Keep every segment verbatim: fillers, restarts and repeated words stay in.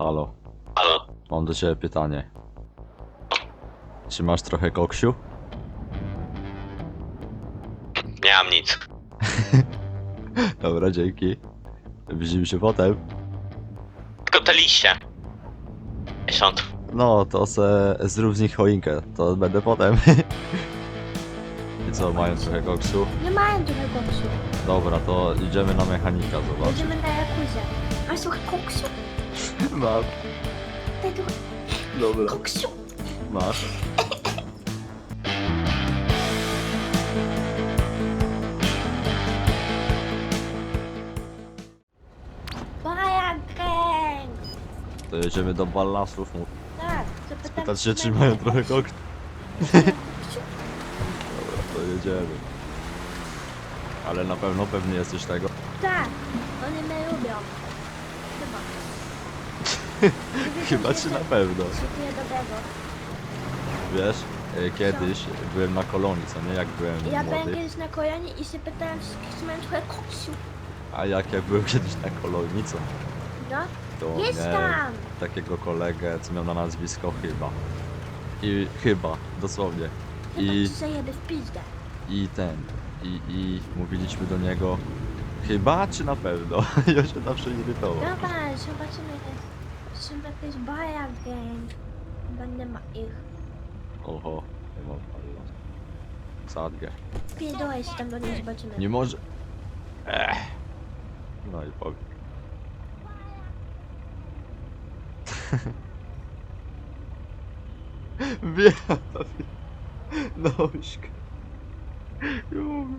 Halo, Halo? mam do ciebie pytanie. Czy masz trochę koksiu? Nie mam nic. Dobra, dzięki. Widzimy się potem. Tylko te liście. Miesiąc. No, to se zrób z nich choinkę, to będę potem. I co, mają trochę koksu? Nie mają trochę koksu. Dobra, to idziemy na mechanika, zobacz. Będziemy na Jakuzie. Masz trochę koksu? Mam. Daj trochę Dobra. koksu. Masz. Baja gang! To jedziemy do ballasów, mów. Tak, zapytam Pytać się, czy mają trochę koksu. Dobra, to jedziemy. Ale na pewno pewnie jesteś tego. Tak, oni mnie lubią. Chyba. Chyba czy na pewno. Szykuję dobrego. Wiesz, e, kiedyś byłem na kolonii, co nie, jak byłem Ja byłem młody. kiedyś na kolonie i się pytałem wszystkich, czy mają trochę koksu. A jak ja byłem kiedyś na kolonii, co? No, To jest miałem tam! takiego kolegę, co miał na nazwisko chyba. I chyba, dosłownie. Chyba I, ci zajebie w pizdę. i ten, i, i mówiliśmy do niego chyba czy na pewno? I on się zawsze irytował. Dobra, zobaczymy, są jakieś baja gang. Chyba nie ma ich. Oho, nie mam paliwa. Sadgę. Pierdolę się tam do nich, zobaczymy. Nie może... Ech. No i powiem. Wiem. Nośka. Nie mogę.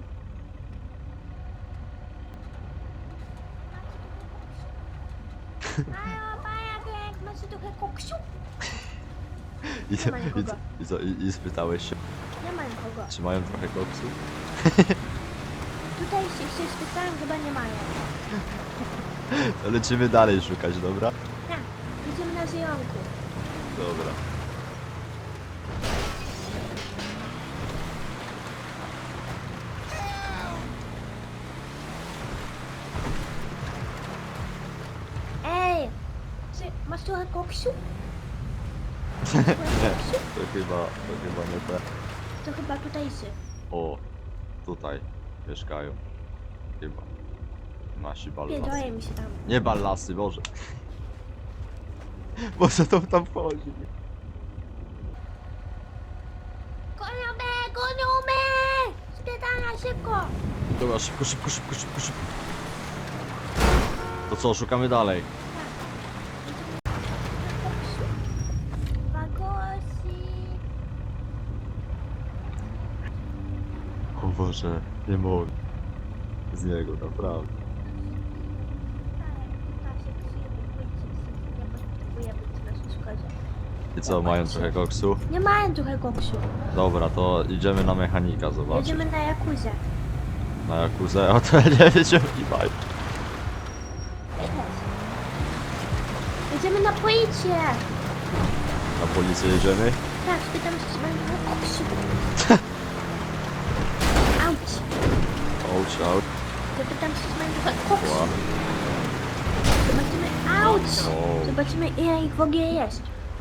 Mają baja gang, macie trochę koksu? I, Nie ma i, nikogo. i, co, i, I spytałeś się, Nie ma nikogo. czy mają trochę koksu? Tutaj się, się spytałem, chyba nie mają. To lecimy dalej szukać, dobra? Tak, idziemy na zjonku. Dobra. Ej! Czy masz trochę koksu? Nie, to chyba, to chyba nie te. To chyba tutaj się. O, tutaj mieszkają. Chyba. Nasi ballasy. Pierdolę mi się tam. Nie ballasy, Boże. Boże, to tam wchodzi. Gonią mnie, gonią mnie! Spiedala szybko! Dobra, szybko, szybko, szybko, szybko, szybko. To co, szukamy dalej? Wagosi! O Boże, nie mogę. Z niego, naprawdę. I co, mają trochę koksu? Nie mają trochę koksu. Dobra, to idziemy na mechanika, zobaczyć. Jedziemy na Jakuzie. Na Jakuzę, a to ja nie wiem, gdzie oni mają. Jedziemy na policję! Na policję jedziemy? Tak, spytam się, czy mają trochę koksu. Auć! Ouch, ouch. Zapytam się, czy mają trochę koksu. Ła. Zobaczymy, auć! O. Zobaczymy, ile ich w ogóle jest.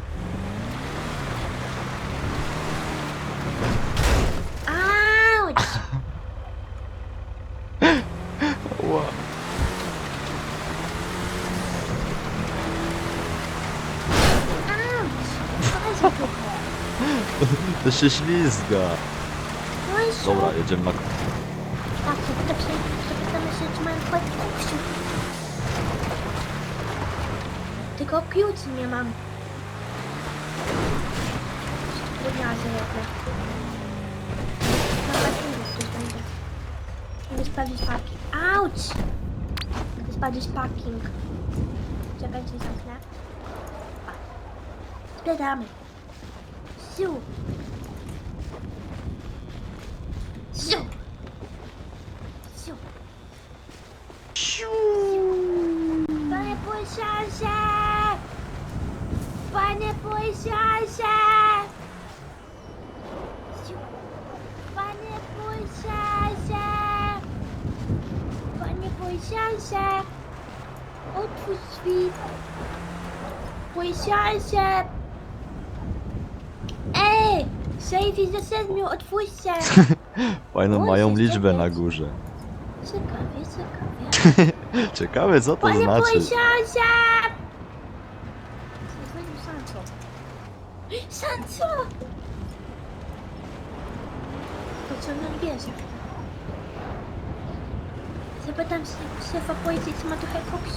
Auć! Ła. Auć! Chodź trochę. To się ślizga. No i co? Dobra, jedziemy na... Tak, zapytam się, zapytamy się, czy mają trochę koksu. Tylko piłki nie mam. Gimnazję jednak. Na parkingu ktoś będzie. Mogę sprawdzić parking. Auć! Mogę sprawdzić parking. Czekajcie, zamknę. Zbieramy. Ziu! Ziu! Ziu! Siu. Panie policjancie! Panie policjancie! Ziu! Panie policjancie! Panie policjancie! Otwórz drzwi! Policjancie! Ej! Sejfie za siedmiu, otwórzcie! Fajną Oj, mają coś liczbę czekać. na górze. Ciekawie, ciekawie. Ciekawe co to Panie znaczy. policjancie! Zadzwonił Sancho. Sancho! Pociągnął bierze. Zapytam się szefa policji, czy ma trochę koksu.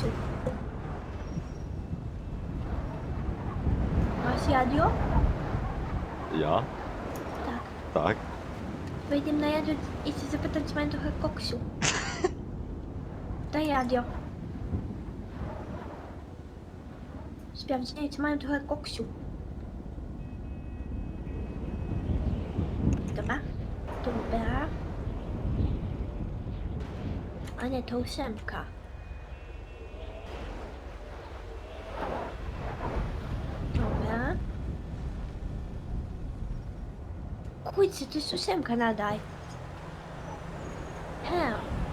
Masz radio? Ja? Tak. Tak. Wejdę na radio i chcę zapytać, czy mają trochę koksu. Daj radio. Sprawdzenie, czy mają trochę koksu. Dobra. Dobra. A nie, to ósemka. Dobra. Kurczę, to jest ósemka nadal. He.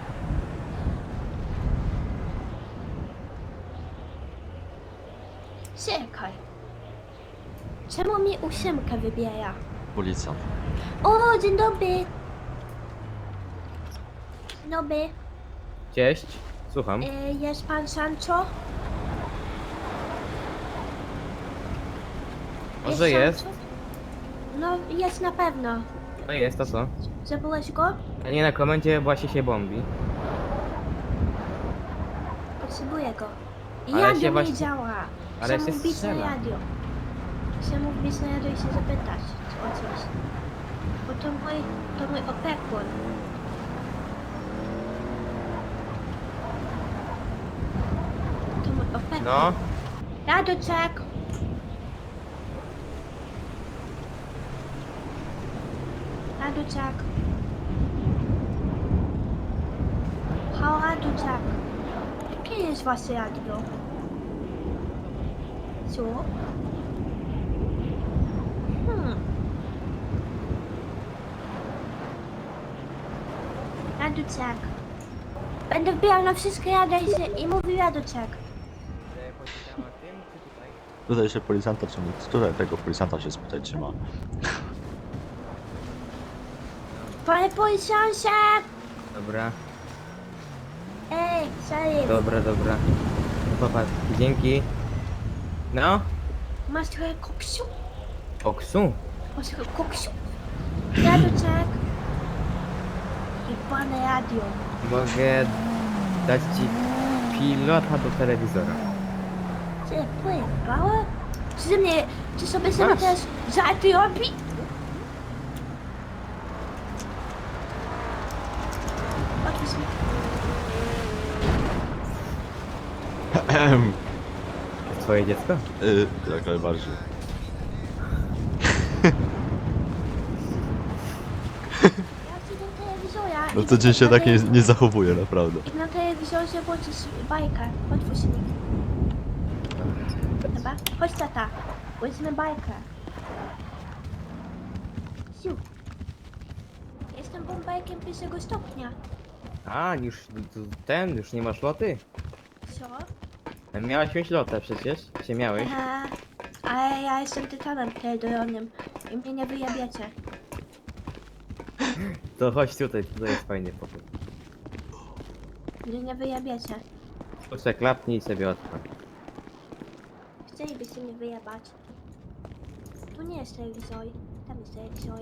Czekaj. Czemu mi ósemka wybiera? Policjant. O, dzień dobry. Dzień dobry. Cześć, słucham. E, jest pan Sancho? Może jest. Sancho? No, jest na pewno. No jest, to co? Zabyłeś go? A nie, na komendzie właśnie się bombi. Potrzebuję go. I Ale radio się nie właśnie- działa. ale Chcę się mu wbić na strzela. radio. Chcę mu wbić na radio i się zapytać o coś. Bo to mój, to mój opiekun. To mój opiekun. No, Radoczek! Radoczek! Hał Radoczek! Jakie jest wasze radio? Co? Hmm. Radoczek! Będę wbijał na wszystkie rady i, się- i mówił Radoczek. Tutaj się policjanta trzyma. Tutaj tego policjanta się spytać trzyma. Panie policjancie! dobra, Ej, Salim! dobra, dobra. No popatrz, dzięki. No, Masz trochę koksu? oksu. Masz trochę koksu? Radoczek! I pane radio. Mogę dać ci pilota do telewizora. Czy pływało? Czy ze mnie, czy sobie sobie Masz. też żarty robi? Otwórz mi. Ehem. Twoje dziecko? Y, jak najbardziej. Ja chcę do telewizora. No i to dzień się na tak nie, telewiz- nie zachowuje, naprawdę. I na telewizorze włączysz bajkę. Otwórz mi. Dobra? Chodź tata. Włączymy bajkę. Siu. Jestem bombajkiem pierwszego stopnia. A, już ten, już nie masz loty? Co? Miałaś mieć lotę przecież, się miałeś. Aha. Ale ja jestem tytanem teledoronym i mnie nie wyjabiacie. To chodź tutaj, tutaj jest fajny pokój. Mnie nie wyjabiacie. Proszę, klapnij i sobie odpal. Chcielibyście mnie wyjebać. Tu nie jest telewizor. Tam jest telewizor.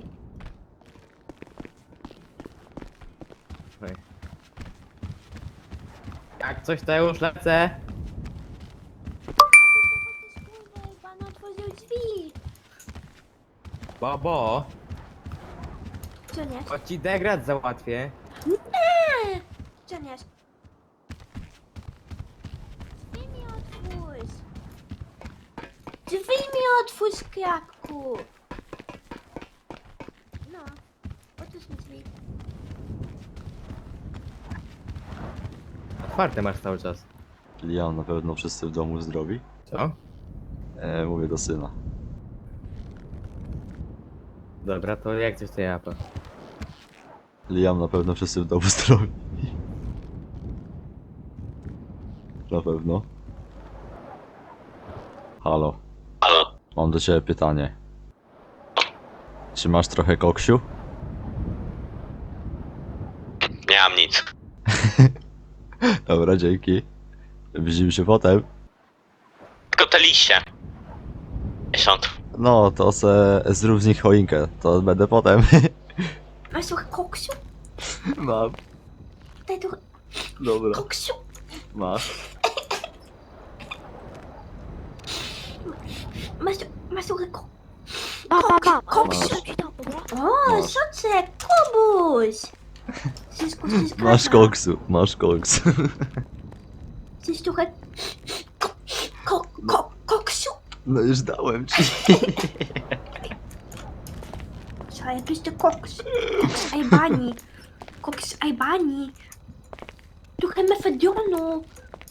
Oj. Jak coś to już lecę. Kurwa, pan otworzył drzwi. Bobo, Co nie? chodź ci degrad załatwię. Nie! Co nie? Drzwi mi otwórz. Drzwi mi otwórz, krakku. No. Otwórz mi drzwi. Otwarte masz cały czas. Liam, na pewno wszyscy w domu zdrowi? Co? E, mówię do syna. Dobra, to jak coś to ja pa. Liam, na pewno wszyscy w domu zdrowi. Na pewno. Halo, Halo. mam do ciebie pytanie. Czy masz trochę koksiu? Nie mam nic. Dobra, dzięki. Widzimy się potem. Tylko te liście. Miesiąc. No, to se zrób z nich choinkę, to będę potem. Masz trochę koksiu? Mam. Daj trochę Dobra. koksiu. Masz. Masz, masz trochę ko... Mam, mam, mam. Koksiu. Ci dam, dobra? O, Masz. soczek, Kubuś. Wszystko się zgadza. Masz koksu, masz koksu. Chcesz trochę... Ko... Ko... Ko... Koksiu? No już dałem ci. Co, jakbyś to koks. Koks Ajbani. Koks Ajbani. Trochę mefedionu.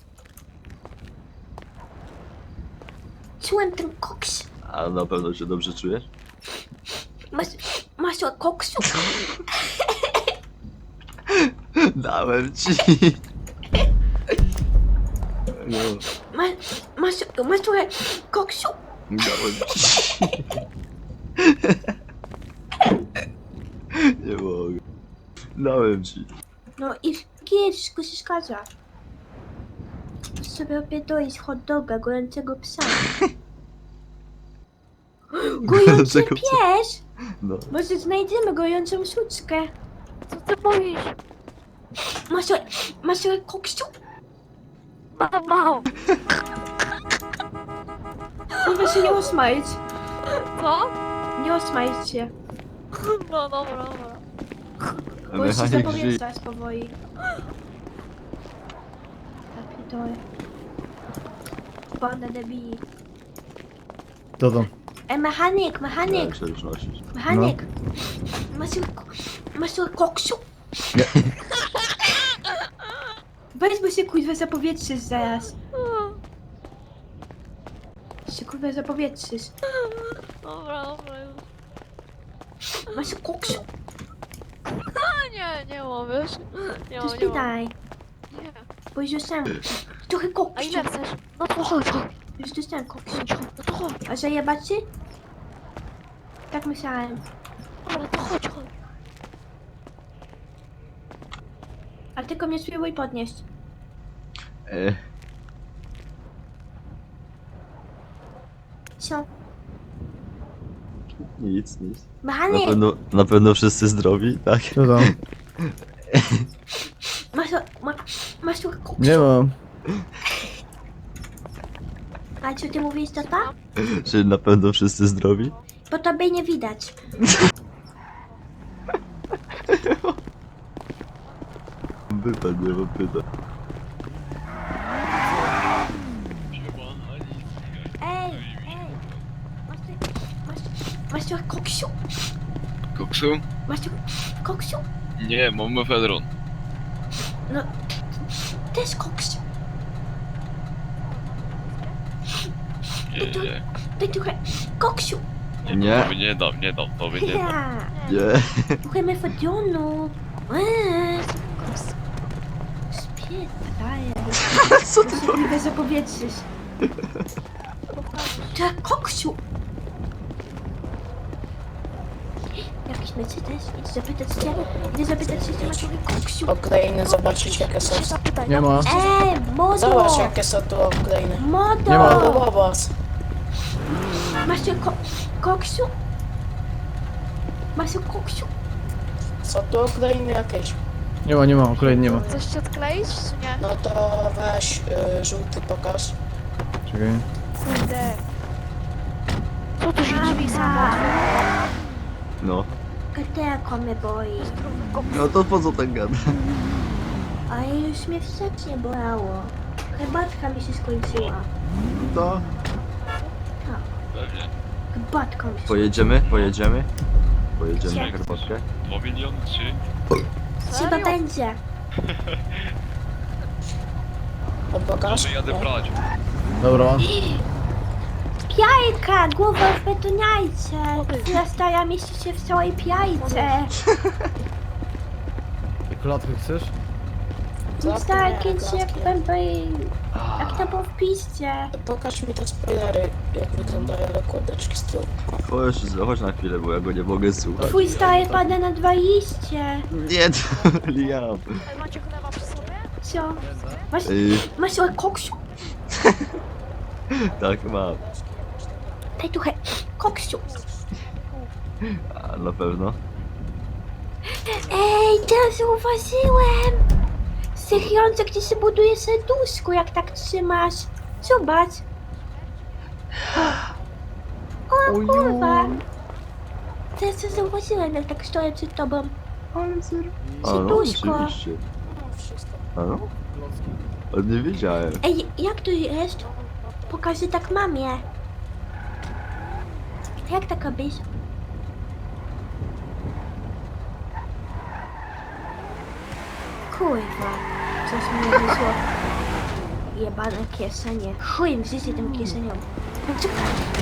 Czułem ten koks. A na pewno się dobrze czujesz? Masz... Masz trochę koksu? Dałem ci. No, Masz... Masz... Masz trochę koksu? dałem ci. Nie mogę. Dałem ci. No i gdzie wszystko się zgadza. Możesz sobie opierdolić hot doga, gojącego psa. Gojący Gojącego psa. pies? No. Może znajdziemy gojącą suczkę. Co ty mówisz? Masz trochę... Masz trochę koksu? Mam, mam. Kurwa się nie osmajć. Co? Nie osmajć się. No dobra, dobra. Bo już się Mechanik żyje. zapowietrzasz powoli. Zapidoj. Banda debili. To to. E, mechanik, mechanik, Jak się już nosisz? mechanik. Masz trochę ko- Masz trochę koksu? Nie. Weź, bo się kurwa zapowietrzysz zaraz. Się kurwa zapowietrzysz. Dobra, dobra już. Masz koksu? A nie, nie mam, wiesz? Nie To mam, nie mam. spytaj. Nie. Bo już dostałem trochę A koksu. ile chcesz? No to chodź, chodź. Już dostałem koksu. Chodź, chodź, no to chodź. A zajebać ci? Tak myślałem. Dobra, to chodź, chodź. A tylko mnie spróbuj podnieść. E, Co? nic, nic. Na Mechanik! pewno, na pewno wszyscy zdrowi, tak? To to. Masz, ma, masz trochę koksu? Nie mam. A co ty mówisz, tata? Czy na pewno wszyscy zdrowi? Bo tobie nie widać. Pytań, nie mam pytań. Ej, ej! Masz, ty- masz, masz trochę koksiu? Koksu? Masz trochę koksiu? Nie, mam mefedron. No, też koksiu. Nie, nie. Daj trochę koksiu. Nie, Nie. tobie nie dam, nie dam, tobie nie dam. Ja. Nie. Trochę mefedionu. Eee. Spierdalaj. Co ty Się kurwa zapowietrzysz. Trochę koksiu. Jakiś Mercedes? Idź zapytać cię. Idę zapytać cię, czy masz trochę koksiu. Upgrade'y, zobaczyć jakie są. Się zapytaj. Nie ma. Ej, modo! Zobacz jakie są tu upgrade'y. Modo! Nie ma. No bobas. Masz tu ko koksiu? Masz tu koksiu? Są tu upgrade'y jakieś. Nie ma, nie ma, kolejny nie ma. Coś ci odkleić, czy nie? No to weź y, żółty pokaż. Czekaj. Kurde. Co tu się dziwi sama? No. Katerko mnie boi. No to po co ten gada? A już mnie wstecznie bolało. Herbatka mi się skończyła. To. Pewnie. Herbatka mi się Pojedziemy? Pojedziemy? Pojedziemy na Gdzie? herbatkę? Dwa miliony, trzy? Chyba Serio? będzie. To pokaż. Może jadę Nie. brać. Dobra. Piajka! Głowa w betoniajce! Twoja stara mieści się w całej piajce. Klatkę chcesz? Nic takie się jak będę... Jak to było w piście. Pokaż mi te spoilery, jak wyglądają nakładeczki z tyłu. Chodź, chodź na chwilę, bo ja go nie mogę słuchać. Twój stary pada na dwa liście. Nie, to Liam. Ej, macie chleba przy sobie? Co? Masz, Ej, masz o koksiu? tak mam. Daj trochę koksiu. A, na pewno. Ej, teraz zauważyłem! Sychrące, gdzie się buduje serduszko, jak tak trzymasz. Zobacz. O kurwa. Teraz to zauważyłem, jak tak stoję przed tobą. A no, Serduszko. oczywiście. No, wszystko. A no? Ale nie wiedziałem. Ej, jak to jest? Pokażę tak mamie. Jak tak robisz? Kurwa, coś mi wyszło. Jebane kieszenie. Chuj w życie tym kieszeniom. No co-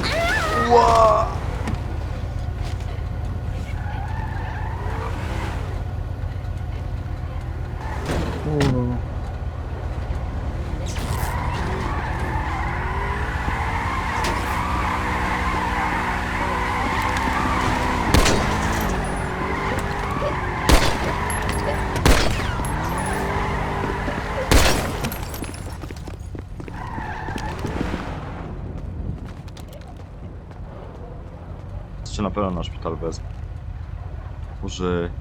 Cię na pewno na szpital wezmę. Może...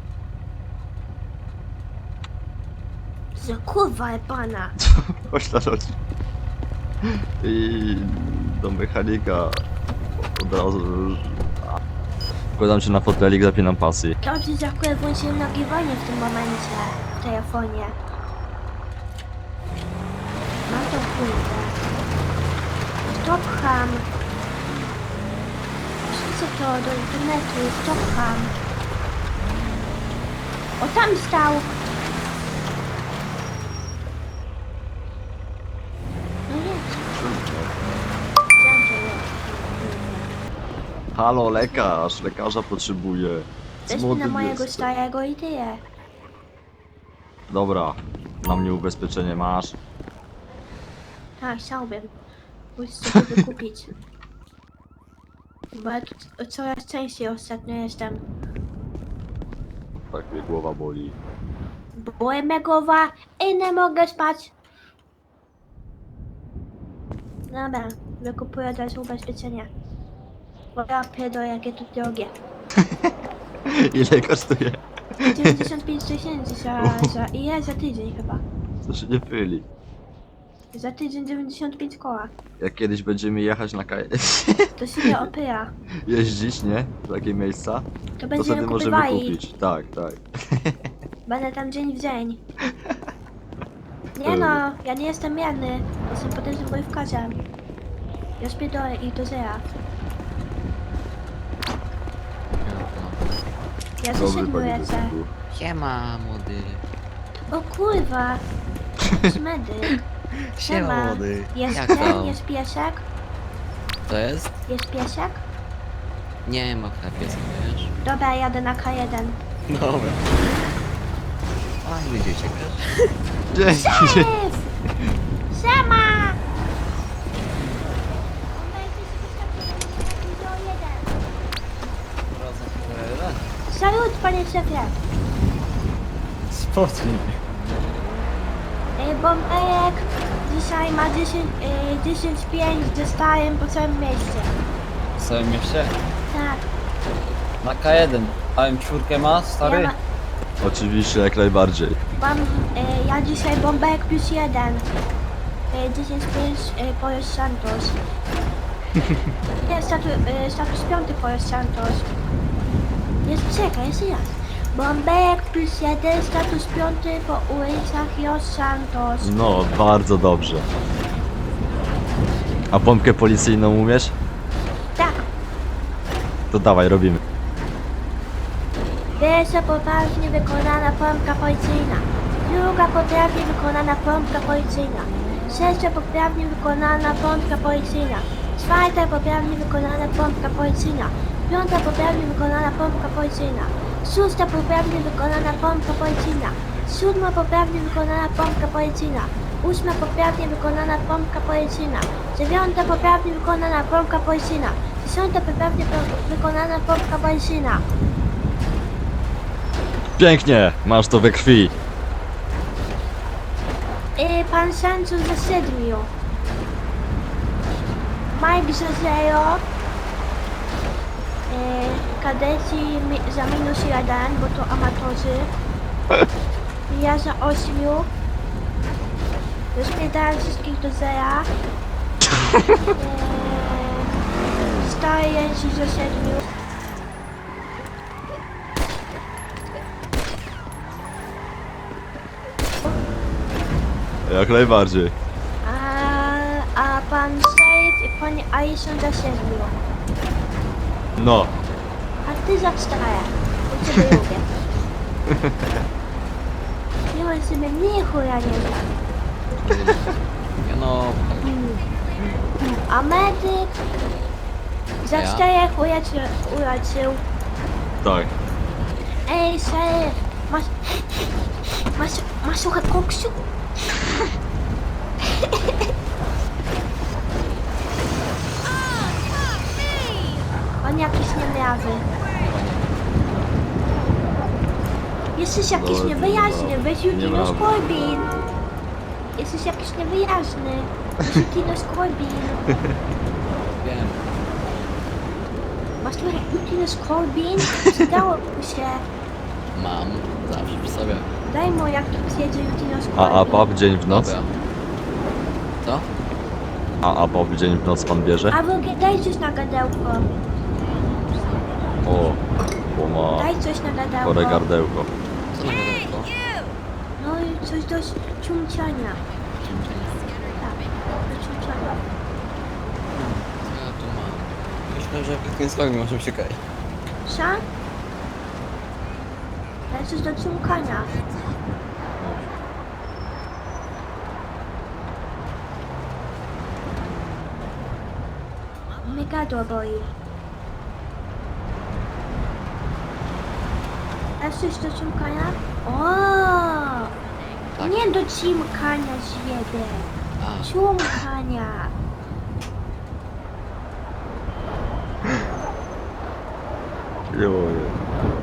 Za kurwa jebana. Chodź na noc. I do mechanika od razu. Wkładam cię na fotelik, zapinam pasy. Dobrze, że akurat włączyłem nagrywanie w tym momencie w telefonie. Mam to kurwa. Stopham. Wrzucę to do internetu. Stopham. O, tam stał. No jest. Gdzie to jest? Halo, lekarz! Lekarza potrzebuję. Coś Młody na mojego jestem. starego i tyle. Dobra, na mnie ubezpieczenie masz. Tak, chciałbym. Muszę sobie wykupić. Bo ja tu c- coraz częściej ostatnio jestem. Tak mnie głowa boli. Byłem megowa i nie mogę spać. Dobra, wykupuję teraz ubezpieczenie. Bo ja pierdolę, jakie to drogie. Ile kosztuje? dziewięćdziesiąt pięć tysięcy za, za... Ile? Za tydzień chyba. To się nie pyli. Za tydzień dziewięćdziesiąt pięć koła. Jak kiedyś będziemy jechać na kaj... To się nie opyra. jeździć, nie? W takie miejsca, To to będziemy wtedy możemy kupywali. kupić. Tak, tak. Będę tam dzień w dzień. Nie no, ja nie jestem mierny. Jestem potężnym bojówkarzem. Ja spierdolę i do zera. Ja ze Dobry siedmiu panie lecę. detektywku. Siema, młody. O kurwa. Medyk. Siema, młody. Jest Jak ten, tam? jest piesek? To jest? Jest piesek? Nie ma piesek, wiesz? Dobra, jadę na K jeden. Dobra. Fajny dzieciak, wiesz? Dzięki. Szef! Siema! Salut, panie szefie. Spocznij. Ej, Bombejek dzisiaj ma dziesięć pięć, dostałem po całym mieście. W całym mieście? Tak, Na K jeden. A M cztery ma, stary? ja ma, Oczywiście, jak najbardziej. mam, e, ja dzisiaj Bombejek plus jeden. E, dziesięć pięć e, Pojos Santos. Nie, statu, e, status piąty Pojos Santos. Jest, czekaj, jeszcze raz. Bombejek plus jeden, status piąty po ulicach Los Santos. No, bardzo dobrze. A pompkę policyjną umiesz? Tak, To dawaj, robimy. pierwsza poprawnie wykonana pompka policyjna. Druga poprawnie wykonana pompka policyjna. Trzecia poprawnie wykonana pompka policyjna. Czwarta poprawnie wykonana pompka policyjna. Piąta poprawnie wykonana pompka policyjna. Szósta poprawnie wykonana pompka policyjna. Siódma poprawnie wykonana pompka policyjna. Ósma poprawnie wykonana pompka policyjna. Dziewiąta poprawnie wykonana pompka policyjna. Dziesiąta poprawnie po- wykonana pompka policyjna. Pięknie, masz to we krwi. Yy, pan Sancho za siedmiu. Mike za zero. Yy, kadeci mi- za minus jeden, bo to amatorzy. Ja za ośmiu. Rozpiętałem wszystkich do zera. Yy, Stary ci za siedmiu. Jak najbardziej. A, a pan Safe i pani Alison za siedmiu. No, A ty za cztery. Bo ciebie lubię. Nie mam sobie nie chuja nie znam. Ja no, A medyk za Ja? czterech uleczył. uleczył. tak. Ej, Safe, masz... Masz, masz trochę koksu? On jakiś niemrawy. Jesteś jakiś No, niewyjaźny, no, weź Jutinus niemrawy. Corbin. Jesteś jakiś niewyjaźny. Weź Jutinus Corbin. wiem. Masz trochę Jutinus Corbin? Przydałoby się. Mam. Zawsze przy sobie. Daj mu jak tu przyjedzie Jutinus Corbin. A, a pop dzień w noc? Dobra. Co? A, a pop dzień w noc pan bierze? A w ogóle daj coś na gadełko. O, bo ma Daj coś na gadełko. chore gardełko. Co na gadko? No i coś do ciumciania. Tak, do ciumciania. Co ja tu mam? Myślę, że w tym słowie możemy się kajać. Co? Daj coś do ciumkania. Mnie gardło boi. Dasz coś do ciumkania? O! Tak. Nie do ciumkania, zjedę. A, Ciumkania. Joje.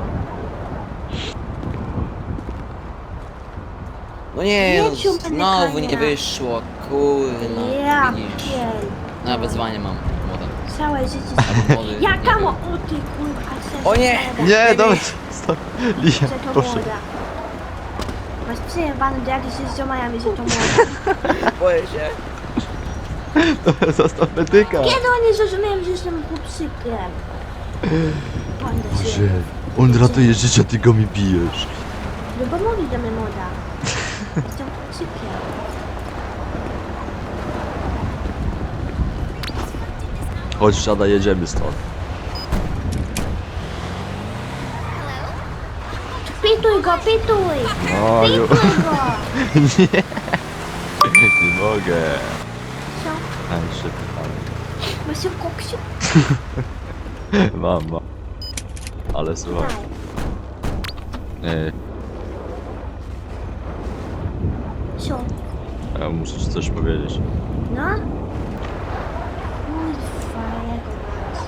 no nie, Nie no, ciupy znowu nie mykania. wyszło. Kurna, Ja widzisz. pier... Na wezwanie mam. Młoda. Całe życie... Albo młody, nie Jaka wiem. mo... O ty kurwa, chcesz... O nie! Nie, dobra, stop. Lia, Że to proszę. młoda. Masz przejebane do jakiejś z ziomajami, że to młoda. Boję się. Zostaw medyka. Kiedy oni zrozumieją, że jestem chłopczykiem? Panda Boże, się. on ratuje życie, ty go mi bijesz. No bo mówi do mnie młoda. Jestem chłopczykiem. Chodź, siada, jedziemy stąd. Pituj go, pituj! O, ju. Pituj go! Nie. Nie mogę. Co? Aj, szybko. Masz się w koksiu? Mam, mam. Ale słuchaj. Daj. E, Co? ja muszę ci coś powiedzieć. No? Kurwa, jego mać.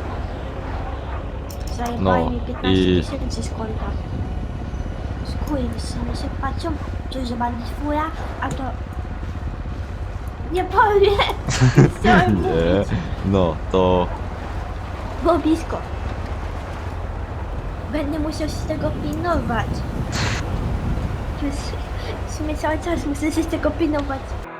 Zajebali No, mi piętnaście i- tysięcy z konta. Skurwysyny się patrzą, to że bandit fura, a to... Nie powiem! Chciałem Nie. mówić. No, to... Było blisko. Będę musiał się tego pilnować. To jest- W sumie cały czas muszę się tego pilnować.